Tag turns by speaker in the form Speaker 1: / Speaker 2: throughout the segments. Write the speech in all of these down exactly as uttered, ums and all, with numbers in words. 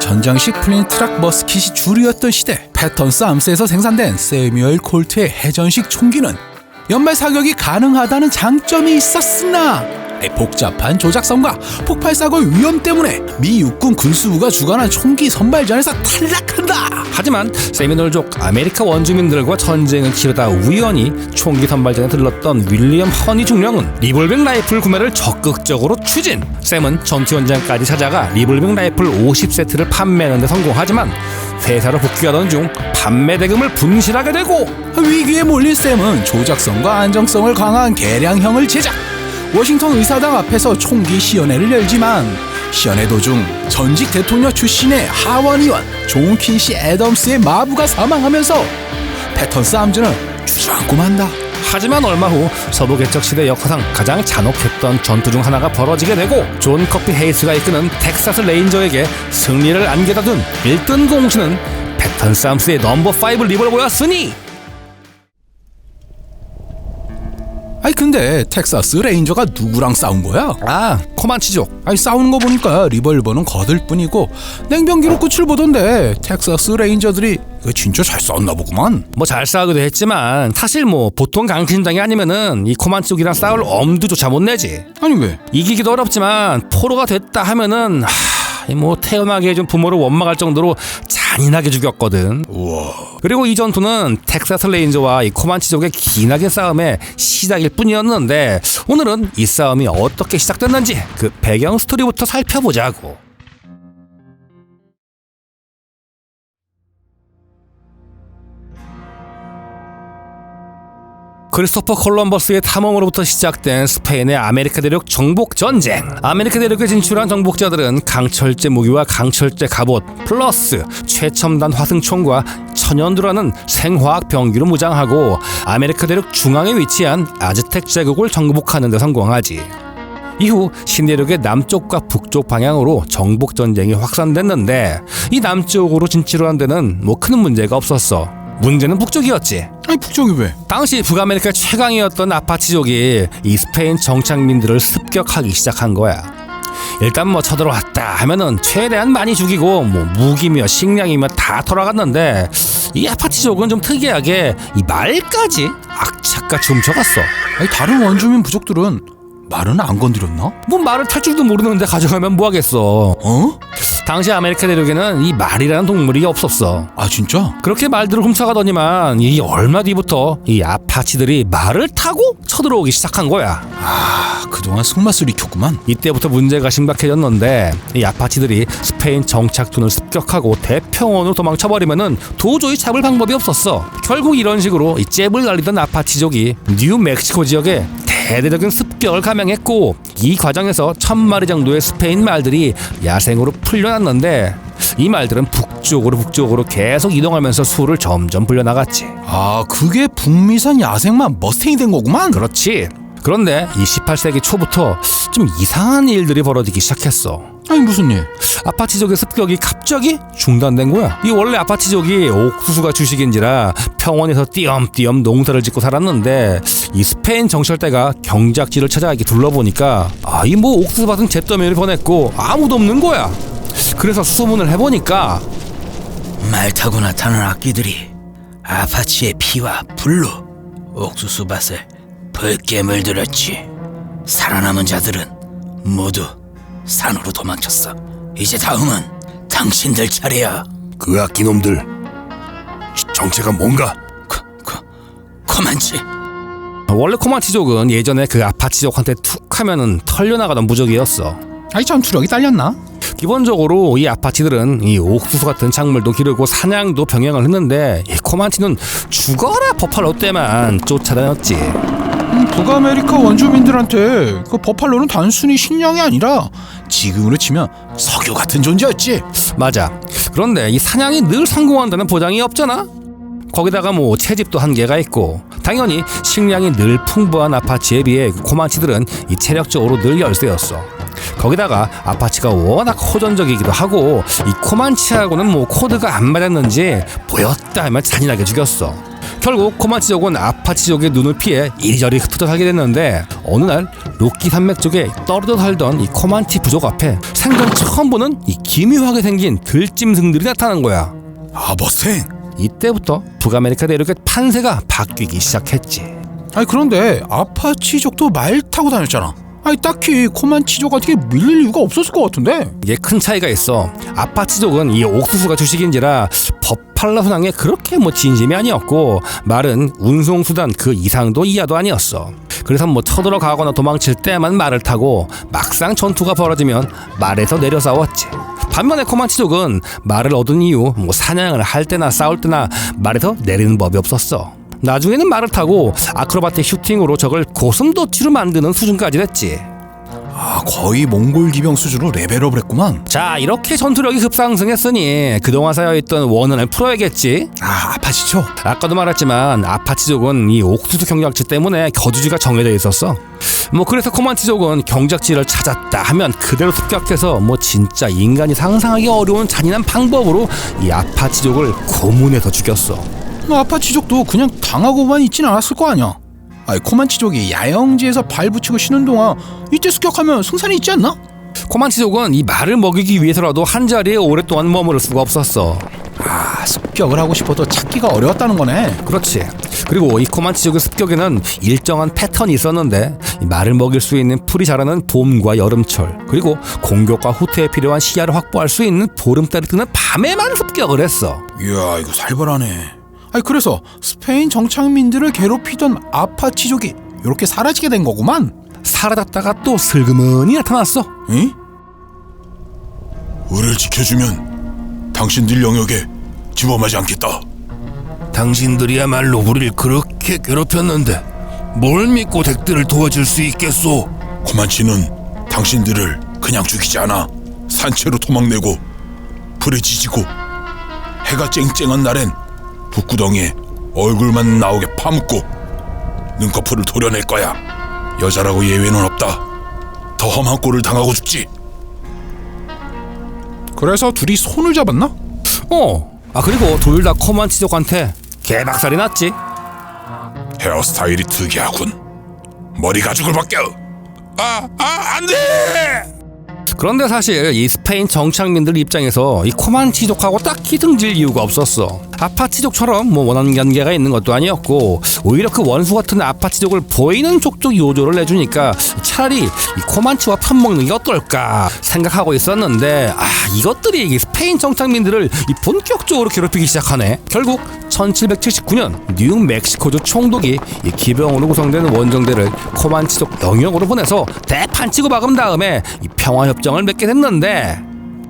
Speaker 1: 전장식 플린트락 머스킷이 주류였던 시대, 패턴스 암스에서 생산된 세뮤얼 콜트의 해전식 총기는 연말 사격이 가능하다는 장점이 있었으나 복잡한 조작성과 폭발사고의 위험 때문에 미 육군 군수부가 주관한 총기 선발전에서 탈락한다.
Speaker 2: 하지만 세미놀족 아메리카 원주민들과 전쟁을 치르다 우연히 총기 선발전에 들렀던 윌리엄 허니 중령은 리볼빙 라이플 구매를 적극적으로 추진. 샘은 전투 현장까지 찾아가 리볼빙 라이플 오십 세트를 판매하는 데 성공하지만 회사로 복귀하던 중 판매 대금을 분실하게 되고,
Speaker 1: 위기에 몰린 샘은 조작성과 안정성을 강화한 개량형을 제작. 워싱턴 의사당 앞에서 총기 시연회를 열지만 시연회 도중 전직 대통령 출신의 하원 의원 존 퀸시 애덤스의 마부가 사망하면서 패턴스 암즈는 주저앉고 만다.
Speaker 2: 하지만 얼마 후 서부 개척 시대 역사상 가장 잔혹했던 전투 중 하나가 벌어지게 되고, 존 커피 헤이스가 이끄는 텍사스 레인저에게 승리를 안겨다 둔 일 등 공신은 패턴스 암스의 넘버 오 리볼버였으니.
Speaker 1: 아니 근데 텍사스 레인저가 누구랑 싸운 거야?
Speaker 2: 아, 코만치족.
Speaker 1: 아니 싸우는 거 보니까 리볼버는 거들 뿐이고 냉병기로 끝을 보던데 텍사스 레인저들이 이거 진짜 잘 싸웠나 보구만.
Speaker 2: 뭐 잘 싸우기도 했지만 사실 뭐 보통 강신장이 아니면은 이 코만치족이랑 싸울 엄두조차 못 내지.
Speaker 1: 아니 왜?
Speaker 2: 이기기도 어렵지만 포로가 됐다 하면은 하... 뭐 태어나게 해준 부모를 원망할 정도로 잔인하게 죽였거든.
Speaker 1: 우와.
Speaker 2: 그리고 이 전투는 텍사스 레인저와 이 코만치족의 기나긴 싸움의 시작일 뿐이었는데, 오늘은 이 싸움이 어떻게 시작됐는지 그 배경 스토리부터 살펴보자고. 크리스토퍼 콜럼버스의 탐험으로부터 시작된 스페인의 아메리카 대륙 정복 전쟁. 아메리카 대륙에 진출한 정복자들은 강철제 무기와 강철제 갑옷 플러스 최첨단 화승총과 천연두라는 생화학 병기로 무장하고 아메리카 대륙 중앙에 위치한 아즈텍 제국을 정복하는 데 성공하지. 이후 신대륙의 남쪽과 북쪽 방향으로 정복 전쟁이 확산됐는데, 이 남쪽으로 진출한 데는 뭐 큰 문제가 없었어. 문제는 북쪽이었지.
Speaker 1: 아니 북쪽이 왜?
Speaker 2: 당시 북아메리카 최강이었던 아파치족이 이 스페인 정착민들을 습격하기 시작한 거야. 일단 뭐 쳐들어왔다 하면은 최대한 많이 죽이고 뭐 무기며 식량이며 다 돌아갔는데, 이 아파치족은 좀 특이하게 이 말까지 악착같이 훔쳐갔어.
Speaker 1: 아니 다른 원주민 부족들은 말은 안 건드렸나?
Speaker 2: 뭐 말을 탈 줄도 모르는데 가져가면 뭐하겠어.
Speaker 1: 어?
Speaker 2: 당시 아메리카 대륙에는 이 말이라는 동물이 없었어.
Speaker 1: 아 진짜?
Speaker 2: 그렇게 말들을 훔쳐가더니만 이 얼마 뒤부터 이 아파치들이 말을 타고 쳐들어오기 시작한 거야.
Speaker 1: 아 그동안 속맛을 익혔구만.
Speaker 2: 이때부터 문제가 심각해졌는데, 이 아파치들이 스페인 정착촌을 습격하고 대평원으로 도망쳐버리면은 도저히 잡을 방법이 없었어. 결국 이런 식으로 이 잽을 날리던 아파치족이 뉴멕시코 지역에 대대적인 습격을 감행했고, 이 과정에서 천 마리 정도의 스페인 말들이 야생으로 풀려났는데, 이 말들은 북쪽으로 북쪽으로 계속 이동하면서 수를 점점 불려나갔지.
Speaker 1: 아 그게 북미산 야생만 머스탱이 된 거구만.
Speaker 2: 그렇지. 그런데 이 십팔 세기 초부터 좀 이상한 일들이 벌어지기 시작했어.
Speaker 1: 아니 무슨 일?
Speaker 2: 아파치족의 습격이 갑자기 중단된 거야. 이 원래 아파치족이 옥수수가 주식인지라 평원에서 띄엄띄엄 농사를 짓고 살았는데, 이 스페인 정찰대가 경작지를 찾아 이렇게 둘러보니까 아, 이 뭐 옥수수밭은 잿더미를 보냈고 아무도 없는 거야. 그래서 수소문을 해보니까
Speaker 3: 말 타고 나타난 악귀들이 아파치의 피와 불로 옥수수밭을 붉게 물들었지. 살아남은 자들은 모두 산으로 도망쳤어. 이제 다음은 당신들 차례야.
Speaker 4: 그 악기놈들 정체가 뭔가?
Speaker 3: 코, 코, 코만치.
Speaker 2: 원래 코만치족은 예전에 그 아파치족한테 툭 하면은 털려나가던 무적이었어.
Speaker 1: 아니 전투력이 딸렸나?
Speaker 2: 기본적으로 이 아파치들은 이 옥수수 같은 작물도 기르고 사냥도 병행을 했는데, 이 코만치는 죽어라 버팔로 때만 쫓아다녔지.
Speaker 1: 음, 북아메리카 원주민들한테 그 버팔로는 단순히 식량이 아니라 지금으로 치면 석유 같은 존재였지.
Speaker 2: 맞아. 그런데 이 사냥이 늘 성공한다는 보장이 없잖아. 거기다가 뭐 채집도 한계가 있고, 당연히 식량이 늘 풍부한 아파치에 비해 코만치들은 이 체력적으로 늘 열세였어. 거기다가 아파치가 워낙 호전적이기도 하고, 이 코만치하고는 뭐 코드가 안 맞았는지 보였다 하면 잔인하게 죽였어. 결국 코만치족은 아파치족의 눈을 피해 이리저리 흩어져 살게 됐는데 어느 날 로키 산맥 쪽에 떨어져 살던 이 코만치 부족 앞에 생전 처음 보는 이 기묘하게 생긴 들짐승들이 나타난 거야.
Speaker 1: 아, 머스탱.
Speaker 2: 이때부터 북아메리카 대륙의 판세가 바뀌기 시작했지.
Speaker 1: 아니 그런데 아파치족도 말 타고 다녔잖아. 아니 딱히 코만치족한테 밀릴 이유가 없었을 것 같은데.
Speaker 2: 이게 큰 차이가 있어. 아파치족은 이 옥수수가 주식인지라 버팔로 순항에 그렇게 뭐 진심이 아니었고 말은 운송수단 그 이상도 이하도 아니었어. 그래서 뭐 쳐들어가거나 도망칠 때만 말을 타고 막상 전투가 벌어지면 말에서 내려 싸웠지. 반면에 코만치족은 말을 얻은 이후 뭐 사냥을 할 때나 싸울 때나 말에서 내리는 법이 없었어. 나중에는 말을 타고 아크로바틱 슈팅으로 적을 고슴도치로 만드는 수준까지 됐지.
Speaker 1: 아, 거의 몽골 기병 수준으로 레벨업을 했구만.
Speaker 2: 자, 이렇게 전투력이 급상승했으니 그동안 쌓여있던 원한을 풀어야겠지.
Speaker 1: 아, 아파치족.
Speaker 2: 아까도 말했지만 아파치족은 이 옥수수 경작지 때문에 거주지가 정해져 있었어. 뭐 그래서 코만치족은 경작지를 찾았다 하면 그대로 습격해서 뭐 진짜 인간이 상상하기 어려운 잔인한 방법으로 이 아파치족을 고문해서 죽였어.
Speaker 1: 아파치족도 그냥 당하고만 있진 않았을 거 아니야. 아니 코만치족이 야영지에서 발 붙이고 쉬는 동안 이때 습격하면 승산이 있지 않나?
Speaker 2: 코만치족은 이 말을 먹이기 위해서라도 한자리에 오랫동안 머무를 수가 없었어.
Speaker 1: 아, 습격을 하고 싶어도 찾기가 어려웠다는 거네.
Speaker 2: 그렇지. 그리고 이 코만치족의 습격에는 일정한 패턴이 있었는데 이 말을 먹일 수 있는 풀이 자라는 봄과 여름철, 그리고 공격과 후퇴에 필요한 시야를 확보할 수 있는 보름달이 뜨는 밤에만 습격을 했어.
Speaker 1: 이야, 이거 살벌하네. 아니 그래서 스페인 정착민들을 괴롭히던 아파치족이 이렇게 사라지게 된 거구만.
Speaker 2: 사라졌다가 또 슬그머니 나타났어.
Speaker 1: 응?
Speaker 4: 우리를 지켜주면 당신들 영역에 집어하지 않겠다. 당신들이야말로 우리를 그렇게 괴롭혔는데 뭘 믿고 덱들을 도와줄 수 있겠소? 코만치는 당신들을 그냥 죽이지 않아. 산채로 도망내고 불에 지지고 해가 쨍쨍한 날엔 북구덩이에 얼굴만 나오게 파묻고 눈꺼풀을 도려낼 거야. 여자라고 예외는 없다. 더 험한 꼴을 당하고 죽지.
Speaker 1: 그래서 둘이 손을 잡았나?
Speaker 2: 어. 아 그리고 둘 다 코만치족한테 개박살이 났지.
Speaker 4: 헤어스타일이 특이하군. 머리 가죽을 벗겨. 아, 아, 안 돼!
Speaker 2: 그런데 사실 이 스페인 정착민들 입장에서 이 코만치족하고 딱히 등질 이유가 없었어. 아파치족처럼 뭐 원한 관계가 있는 것도 아니었고 오히려 그 원수 같은 아파치족을 보이는 족족 요조를 내주니까 차라리 이 코만치와 편먹는 게 어떨까 생각하고 있었는데 아 이것들이 이 스페인 정착민들을 이 본격적으로 괴롭히기 시작하네. 결국 천칠백칠십구 년 뉴멕시코주 총독이 이 기병으로 구성된 원정대를 코만치족 영역으로 보내서 대판 치고 박은 다음에 이 평화협정을 맺게 됐는데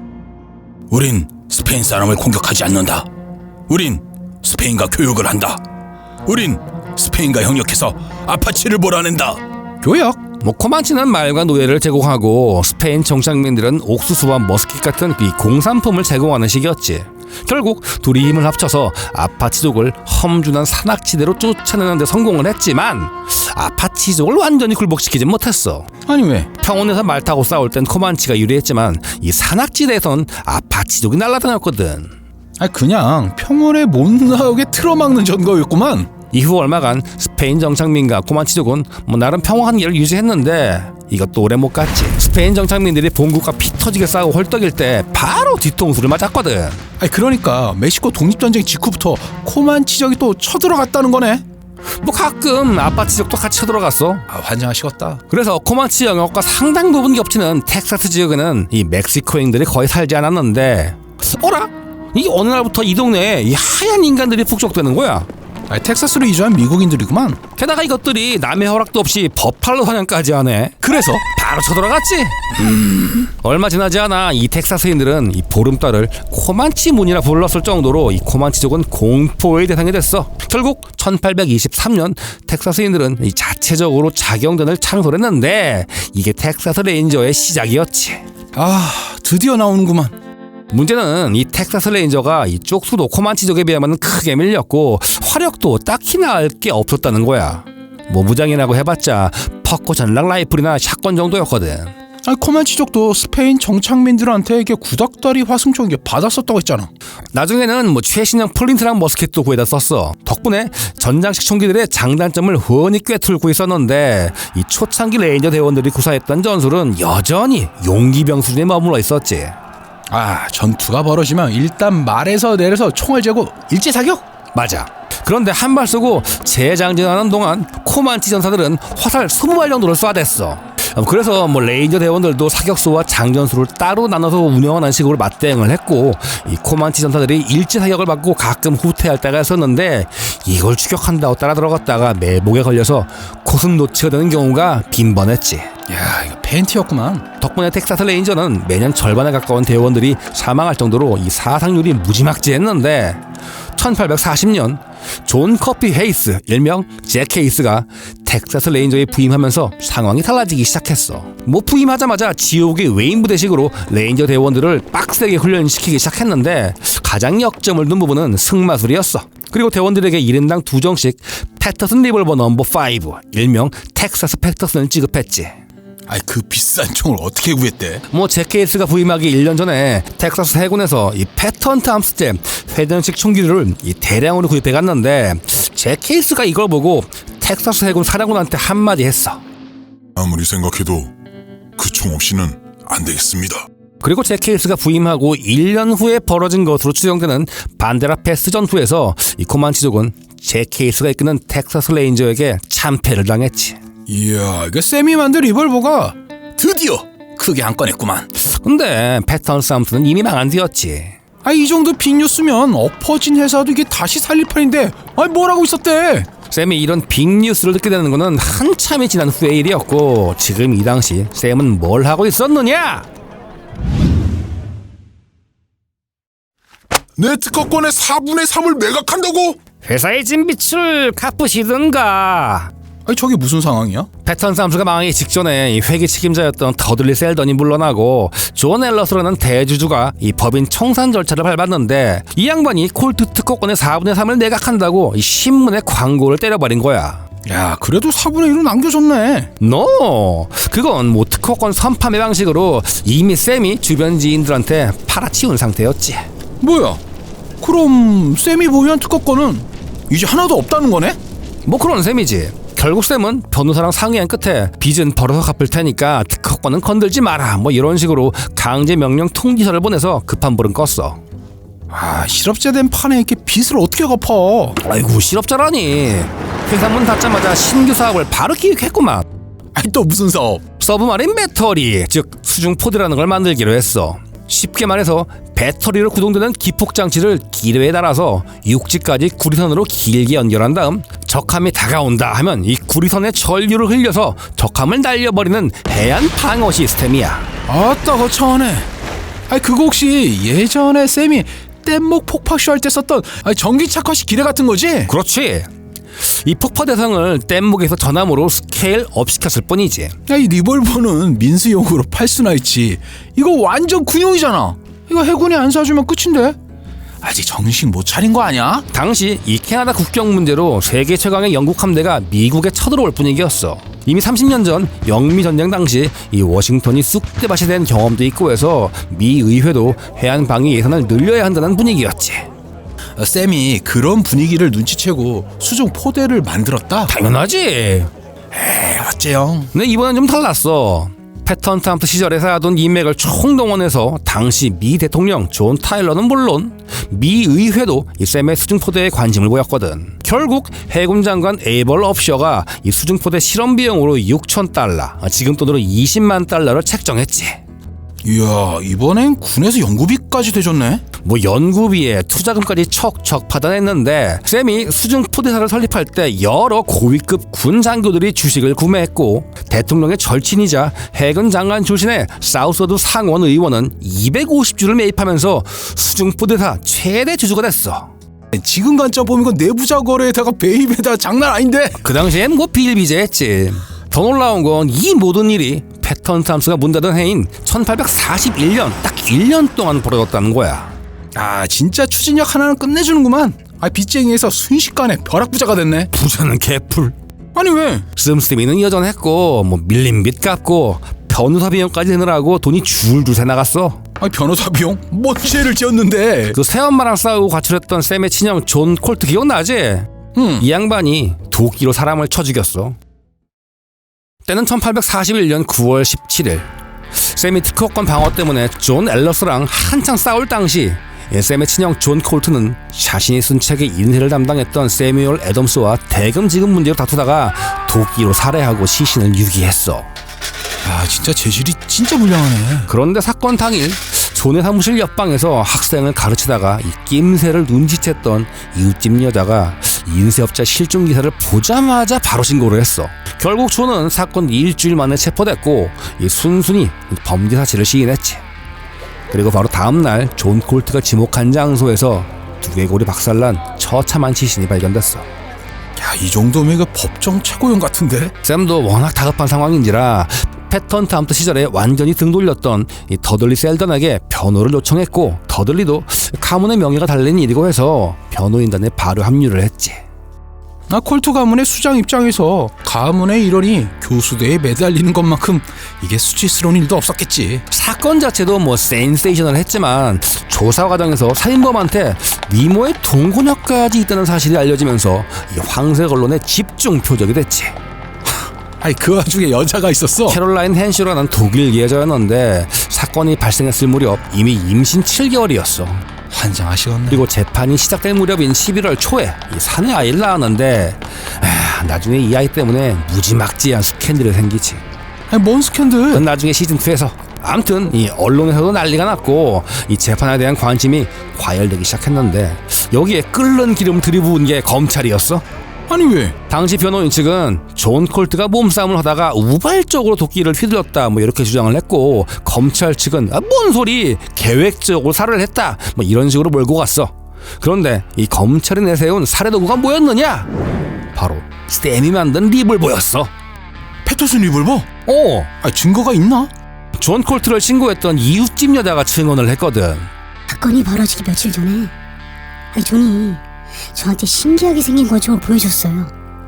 Speaker 3: 우린 스페인 사람을 공격하지 않는다. 우린 스페인과 교역을 한다. 우린 스페인과 협력해서 아파치를 몰아낸다.
Speaker 1: 교역?
Speaker 2: 뭐 코만치는 말과 노예를 제공하고 스페인 정착민들은 옥수수와 머스킷 같은 이 공산품을 제공하는 식이었지. 결국 둘이 힘을 합쳐서 아파치족을 험준한 산악지대로 쫓아내는 데 성공을 했지만 아파치족을 완전히 굴복시키진 못했어.
Speaker 1: 아니 왜?
Speaker 2: 평원에서 말 타고 싸울 땐 코만치가 유리했지만 이 산악지대에선 아파치족이 날아다녔거든.
Speaker 1: 아니 그냥 평원에 못 나오게 틀어막는 전거였구만.
Speaker 2: 이후 얼마간 스페인 정착민과 코만치족은 뭐 나름 평화 한계를 유지했는데 이것도 오래 못 갔지. 스페인 정착민들이 본국과 피 터지게 싸우고 헐떡일 때 바로 뒤통수를 맞았거든.
Speaker 1: 아니 그러니까 멕시코 독립전쟁 직후부터 코만치족이 또 쳐들어갔다는 거네.
Speaker 2: 뭐 가끔 아파치족도 같이 쳐들어갔어.
Speaker 1: 아, 환장하시겠다.
Speaker 2: 그래서 코만치 영역과 상당 부분 겹치는 텍사스 지역에는 이 멕시코인들이 거의 살지 않았는데 어라? 이 어느 날부터 이 동네에 이 하얀 인간들이 북적대는 거야.
Speaker 1: 아니 텍사스로 이주한 미국인들이구만.
Speaker 2: 게다가 이것들이 남의 허락도 없이 버팔로 사냥까지 하네.
Speaker 1: 그래서
Speaker 2: 바로 쳐들어갔지. 음. 얼마 지나지 않아 이 텍사스인들은 이 보름달을 코만치 문이라 불렀을 정도로 이 코만치족은 공포의 대상이 됐어. 결국 천팔백이십삼 년 텍사스인들은 이 자체적으로 자경단을 창설했는데 이게 텍사스 레인저의 시작이었지.
Speaker 1: 아 드디어 나오는구만.
Speaker 2: 문제는 이 텍사스 레인저가 이쪽 수도 코만치족에 비하면 크게 밀렸고 화력도 딱히 나을 게 없었다는 거야. 뭐 무장이라고 해봤자 퍽고 전락 라이플이나 샷건 정도였거든.
Speaker 1: 아니, 코만치족도 스페인 정착민들한테 이게 구닥다리 화승총 이게 받았었다고 했잖아.
Speaker 2: 나중에는 뭐 최신형 플린트랑 머스켓도 구해다 썼어. 덕분에 전장식 총기들의 장단점을 훤히 꿰뚫고 있었는데 이 초창기 레인저 대원들이 구사했던 전술은 여전히 용기병 수준에 머물러 있었지.
Speaker 1: 아, 전투가 벌어지면 일단 말에서 내려서 총을 재고 일제사격?
Speaker 2: 맞아. 그런데 한 발 쏘고 재장전하는 동안 코만치 전사들은 화살 이십 발 정도를 쏴댔어. 그래서 뭐 레인저 대원들도 사격소와 장전수를 따로 나눠서 운영하는 식으로 맞대응을 했고, 이 코만치 전사들이 일제 사격을 받고 가끔 후퇴할 때가 있었는데 이걸 추격한다고 따라 들어갔다가 매복에 걸려서 고슴 노치가 되는 경우가 빈번했지.
Speaker 1: 야, 이거 팬티였구만.
Speaker 2: 덕분에 텍사스 레인저는 매년 절반에 가까운 대원들이 사망할 정도로 이 사상률이 무지막지했는데 천팔백사십 년 존 커피 헤이스 일명 잭 헤이스가 텍사스 레인저에 부임하면서 상황이 달라지기 시작했어. 뭐 부임하자마자 지옥의 웨인 부대식으로 레인저 대원들을 빡세게 훈련시키기 시작했는데 가장 역점을 둔 부분은 승마술이었어. 그리고 대원들에게 일 인당 두 정씩 패터슨 리볼버 넘버 오 일명 텍사스 패터슨을 지급했지.
Speaker 3: 아이, 그 비싼 총을 어떻게 구했대?
Speaker 2: 뭐 제케이스가 부임하기 일 년 전에 텍사스 해군에서 이 패턴 탐스제 회전식 총기를 이 대량으로 구입해 갔는데 제케이스가 이걸 보고 텍사스 해군 사령관한테 한마디 했어.
Speaker 4: 아무리 생각해도 그 총 없이는 안 되겠습니다.
Speaker 2: 그리고 제케이스가 부임하고 일 년 후에 벌어진 것으로 추정되는 반데라 패스 전투에서 이 코만치족은 제케이스가 이끄는 텍사스 레인저에게 참패를 당했지.
Speaker 1: 이야, 이거 쌤이 만든 리볼버가
Speaker 3: 드디어 크게 한 건 했구만.
Speaker 2: 근데 패턴 탐스는 이미 망한 뒤였지.
Speaker 1: 아, 이 정도 빅뉴스면 엎어진 회사도 이게 다시 살릴 판인데 아니 뭘 하고 있었대?
Speaker 2: 샘이 이런 빅뉴스를 듣게 되는 것은 한참이 지난 후의 일이었고, 지금 이 당시 샘은 뭘 하고 있었느냐?
Speaker 4: 내 특허권의 사분의 삼을 매각한다고?
Speaker 2: 회사의 진빛을 갚으시든가.
Speaker 1: 아니, 저게 무슨 상황이야?
Speaker 2: 패턴 탐스가 망하기 직전에 이 회계 책임자였던 더들리 셀던이 물러나고 존 앨러스라는 대주주가 이 법인 청산 절차를 밟았는데, 이 양반이 콜트 특허권의 사분의 삼을 매각한다고 이 신문에 광고를 때려버린 거야.
Speaker 1: 야, 그래도 사분의 일은 남겨줬네.
Speaker 2: 노! 그건 뭐 특허권 선판매 방식으로 이미 샘이 주변 지인들한테 팔아치운 상태였지.
Speaker 1: 뭐야? 그럼 쌤이 보유한 특허권은 이제 하나도 없다는 거네?
Speaker 2: 뭐 그런 셈이지. 결국 쌤은 변호사랑 상의한 끝에 빚은 벌어서 갚을 테니까 특허권은 건들지 마라, 뭐 이런 식으로 강제 명령 통지서를 보내서 급한 불은 껐어.
Speaker 1: 아, 실업자 된 판에 이렇게 빚을 어떻게 갚아?
Speaker 2: 아이고, 실업자라니. 회사 문 닫자마자 신규 사업을 바로 기획했구만.
Speaker 1: 아니, 또 무슨 사업?
Speaker 2: 서브마린 배터리, 즉 수중포대라는 걸 만들기로 했어. 쉽게 말해서 배터리로 구동되는 기폭장치를 기뢰에 달아서 육지까지 구리선으로 길게 연결한 다음 적함이 다가온다 하면 이 구리선에 전류를 흘려서 적함을 날려버리는 해안 방어 시스템이야.
Speaker 1: 아따, 거창하네. 아니, 그거 혹시 예전에 쌤이 뗏목 폭파쇼 할 때 썼던 아니, 전기착화식 기뢰 같은 거지?
Speaker 2: 그렇지. 이 폭파 대상을 뗏목에서 전함으로 스케일 업 시켰을 뿐이지.
Speaker 1: 야, 이 리볼버는 민수용으로 팔 수나 있지. 이거 완전 군용이잖아. 이거 해군이 안 사주면 끝인데? 아직 정신 못 차린 거 아니야?
Speaker 2: 당시 이 캐나다 국경 문제로 세계 최강의 영국 함대가 미국에 쳐들어올 분위기였어. 이미 삼십 년 전 영미 전쟁 당시 이 워싱턴이 쑥대밭이 된 경험도 있고 해서 미 의회도 해안 방위 예산을 늘려야 한다는 분위기였지.
Speaker 1: 어, 쌤이 그런 분위기를 눈치채고 수중 포대를 만들었다?
Speaker 2: 당연하지.
Speaker 1: 에이, 어째요?
Speaker 2: 근데 이번엔 좀 달랐어. 패턴 탐스 시절에 쌓아둔 인맥을 총동원해서 당시 미 대통령 존 타일러는 물론 미 의회도 이 샘의 수중포대에 관심을 보였거든. 결국 해군 장관 에이벌 업셔가 이 수중포대 실험 비용으로 육천 달러, 지금 돈으로 이십만 달러를 책정했지.
Speaker 1: 이야, 이번엔 군에서 연구비까지 대줬네?
Speaker 2: 뭐 연구비에 투자금까지 척척 받아냈는데, 샘이 수중포대사를 설립할 때 여러 고위급 군 장교들이 주식을 구매했고, 대통령의 절친이자 해군 장관 출신의 사우스워드 상원 의원은 이백오십 주를 매입하면서 수중포대사 최대 주주가 됐어.
Speaker 1: 지금 관점 보면 이건 내부자 거래에다가 배입에다 장난 아닌데?
Speaker 2: 그 당시엔 뭐 비일비재했지. 더 놀라운 건 이 모든 일이 패턴 탐스가 문 닫은 해인 천팔백사십일 년 딱 일 년 동안 벌어졌다는 거야.
Speaker 1: 아, 진짜 추진력 하나는 끝내주는구만. 아, 빚쟁이에서 순식간에 벼락부자가 됐네.
Speaker 2: 부자는 개풀.
Speaker 1: 아니 왜?
Speaker 2: 씀씀이는 여전했고, 뭐 밀린 빚 갚고 변호사 비용까지 내느라고 돈이 줄줄 새 나갔어.
Speaker 3: 아니 변호사 비용? 뭔 죄를 지었는데?
Speaker 2: 그 새엄마랑 싸우고 가출했던 샘의 친형 존 콜트 기억나지?
Speaker 3: 응.
Speaker 2: 이 양반이 도끼로 사람을 쳐 죽였어. 때는 천팔백사십일 년 구월 십칠일. 샘이 특허권 방어 때문에 존 앨러스랑 한창 싸울 당시 샘의 친형 존 콜트는 자신이 쓴 책의 인쇄를 담당했던 세뮤얼 애덤스와 대금 지급 문제로 다투다가 도끼로 살해하고 시신을 유기했어.
Speaker 3: 아 진짜 재질이 진짜 불량하네.
Speaker 2: 그런데 사건 당일 존의 사무실 옆방에서 학생을 가르치다가 이 낌새를 눈치챘던 이웃집 여자가 인쇄업자 실종 기사를 보자마자 바로 신고를 했어. 결국 존은 사건 일주일 만에 체포됐고 이 순순히 범죄 사실을 시인했지. 그리고 바로 다음날 존 콜트가 지목한 장소에서 두개골이 박살난 처참한 시신이 발견됐어.
Speaker 3: 야, 이 정도면 그 법정 최고형 같은데?
Speaker 2: 샘도 워낙 다급한 상황인지라 패턴트 암트 시절에 완전히 등 돌렸던 이 더들리 셀던에게 변호를 요청했고, 더들리도 가문의 명예가 달린 일이고 해서 변호인단에 바로 합류를 했지.
Speaker 3: 아, 콜트 가문의 수장 입장에서 가문의 일원이 교수대에 매달리는 것만큼 이게 수치스러운 일도 없었겠지.
Speaker 2: 사건 자체도 뭐 센세이셔널했지만 조사 과정에서 살인범한테 미모의 동곤역까지 있다는 사실이 알려지면서 이 황색 언론의 집중 표적이 됐지.
Speaker 3: 아니 그 와중에 여자가 있었어.
Speaker 2: 캐롤라인 헨슈라는 독일 예저였는데 사건이 발생했을 무렵 이미 임신 칠 개월이었어.
Speaker 3: 환장하시겠네.
Speaker 2: 그리고 재판이 시작될 무렵인 십일월 초에 이 사내 아이를 낳았는데 아, 나중에 이 아이 때문에 무지막지한 스캔들이 생기지.
Speaker 3: 아니 뭔 스캔들?
Speaker 2: 그건 나중에 시즌이에서. 아무튼 이 언론에서도 난리가 났고 이 재판에 대한 관심이 과열되기 시작했는데 여기에 끓는 기름 들이부은 게 검찰이었어.
Speaker 3: 아니 왜?
Speaker 2: 당시 변호인 측은 존 콜트가 몸싸움을 하다가 우발적으로 도끼를 휘둘렀다 뭐 이렇게 주장을 했고, 검찰 측은 아, 뭔 소리, 계획적으로 살해를 했다 뭐 이런 식으로 몰고 갔어. 그런데 이 검찰이 내세운 살해 도구가 뭐였느냐? 바로 샘이 만든 리볼버였어.
Speaker 3: 패터슨 리볼버?
Speaker 2: 어,
Speaker 3: 아 증거가 있나?
Speaker 2: 존 콜트를 신고했던 이웃집 여자가 증언을 했거든.
Speaker 5: 사건이 벌어지기 며칠 전에 아니 존이 저한테 신기하게 생긴 거죠 보여줬어요.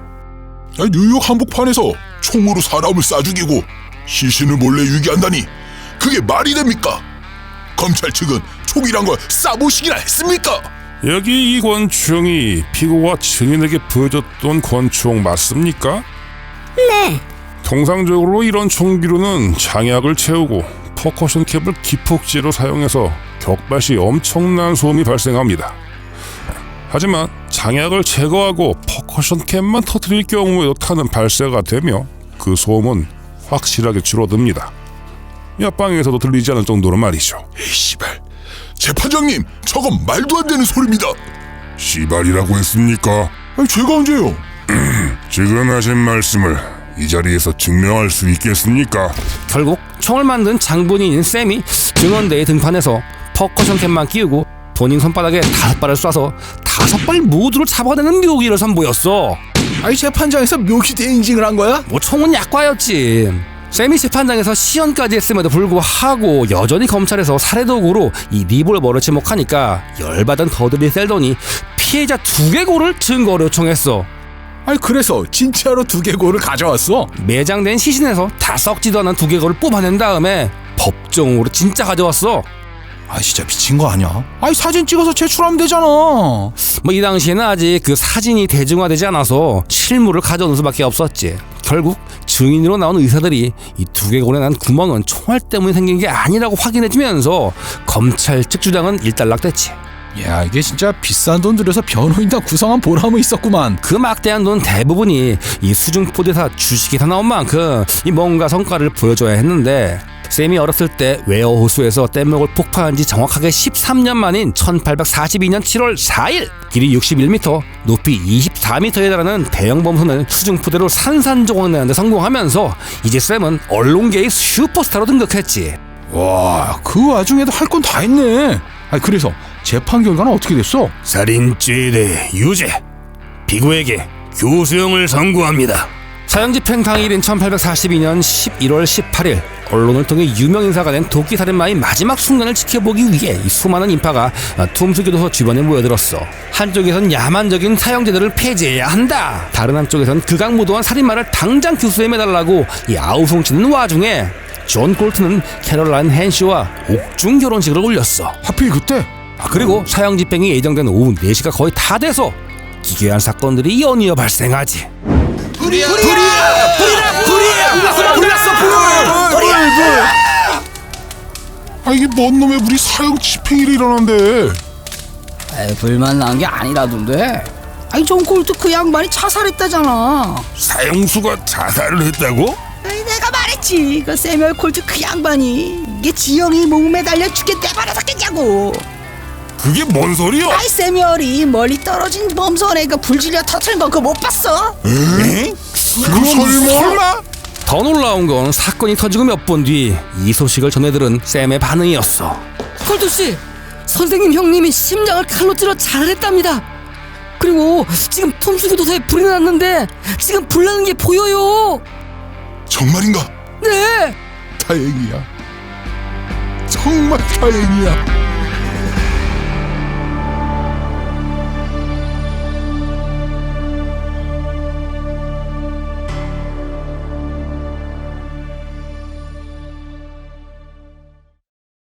Speaker 4: 야, 뉴욕 한복판에서 총으로 사람을 쏴 죽이고 시신을 몰래 유기한다니 그게 말이 됩니까? 검찰 측은 총이란 걸 쏴보시기나 했습니까?
Speaker 6: 여기 이 권총이 피고가 증인에게 보여줬던 권총 맞습니까?
Speaker 5: 네.
Speaker 6: 통상적으로 이런 총기로는 장약을 채우고 퍼커션 캡을 기폭제로 사용해서 격발 시 엄청난 소음이 발생합니다. 하지만 장약을 제거하고 퍼커션 캡만 터뜨릴 경우에도 탄은 발사가 되며 그 소음은 확실하게 줄어듭니다. 옆방에서도 들리지 않을 정도로 말이죠.
Speaker 4: 에이 씨발, 재판장님 저건 말도 안 되는 소리입니다. 씨발이라고 했습니까?
Speaker 3: 아니 제가 언제요?
Speaker 6: 지금 하신 말씀을 이 자리에서 증명할 수 있겠습니까?
Speaker 2: 결국 총을 만든 장본인인 샘이 증언대에 등판해서 퍼커션 캡만 끼우고 본인 손바닥에 다섯 발을 쏴서 다섯 발 모두를 잡아내는 묘기를 선보였어.
Speaker 3: 아니 재판장에서 묘기 대인징을 한 거야?
Speaker 2: 뭐 총은 약과였지. 샘이 재판장에서 시연까지 했음에도 불구하고 여전히 검찰에서 살해도구로 이 리볼버를 지목하니까 열받은 더들리 셀던이 피해자 두개골을 증거로 요청했어.
Speaker 3: 아니 그래서 진짜로 두개골을 가져왔어?
Speaker 2: 매장된 시신에서 다 썩지도 않은 두개골을 뽑아낸 다음에 법정으로 진짜 가져왔어.
Speaker 3: 아 진짜 미친 거 아니야? 아니 사진 찍어서 제출하면 되잖아.
Speaker 2: 뭐 이 당시에는 아직 그 사진이 대중화되지 않아서 실물을 가져오는 수밖에 없었지. 결국 증인으로 나온 의사들이 이 두개골에 난 구멍은 총알 때문에 생긴 게 아니라고 확인해주면서 검찰 측 주장은 일단락됐지.
Speaker 3: 야 이게 진짜 비싼 돈 들여서 변호인단 구성한 보람은 있었구만.
Speaker 2: 그 막대한 돈 대부분이 이 수중포대사 주식에서 나온 만큼 이 뭔가 성과를 보여줘야 했는데, 샘이 어렸을 때 웨어 호수에서 뗏목을 폭파한 지 정확하게 십삼 년 만인 천팔백사십이 년 칠월 사일 길이 육십일 미터, 높이 이십사 미터에 달하는 대형 범선을 수중포대로 산산조각 내는데 성공하면서 이제 샘은 언론계의 슈퍼스타로 등극했지.
Speaker 3: 와 그 와중에도 할 건 다 했네. 아니 그래서 재판 결과는 어떻게 됐어?
Speaker 6: 살인죄에 대해 유죄, 피고에게 교수형을 선고합니다.
Speaker 2: 사형집행 당일인 천팔백사십이 년 십일월 십팔일 언론을 통해 유명인사가 된 도끼살인마의 마지막 순간을 지켜보기 위해 이 수많은 인파가 툼스교도소 주변에 모여들었어. 한쪽에선 야만적인 사형제도를 폐지해야 한다, 다른 한쪽에선 극악무도한 살인마를 당장 교수에 매달라고 이 아우성치는 와중에 존 콜트는 캐롤라인 헨시와 옥중 결혼식을 올렸어.
Speaker 3: 하필 그때?
Speaker 2: 아, 그리고 사형 집행이 예정된 오후 네 시가 거의 다 돼서 기괴한 사건들이 연이어 발생하지.
Speaker 1: 불이야! 불이야! 불이야! 불이야! 불났어! 불났어! 불!
Speaker 6: 아 이게 뭔 놈의 우리 사형 집행일이 일어난대.
Speaker 7: 에이, 불만 난 게 아니라던데. 아니 존 콜트 그 양반이 자살했다잖아.
Speaker 4: 사형수가 자살을 했다고?
Speaker 7: 에이, 내가 말했지. 그 세뮤얼 콜트 그 양반이 이게 지형이 몸에 달려 죽게 내버려뒀겠냐고.
Speaker 4: 그게 뭔 소리야?
Speaker 7: 아이 세뮤얼이 멀리 떨어진 범선에 그 불질려 터트린 거 그거 못 봤어?
Speaker 4: 에?
Speaker 6: 그 설마?
Speaker 2: 더 놀라운 건 사건이 터지고 몇 분 뒤 이 소식을 전해들은 샘의 반응이었어.
Speaker 8: 콜트 씨, 선생님 형님이 심장을 칼로 찔러 자살했답니다. 그리고 지금 톰수기 도사에 불이 났는데 지금 불나는 게 보여요.
Speaker 6: 정말인가?
Speaker 8: 네.
Speaker 6: 다행이야. 정말 다행이야.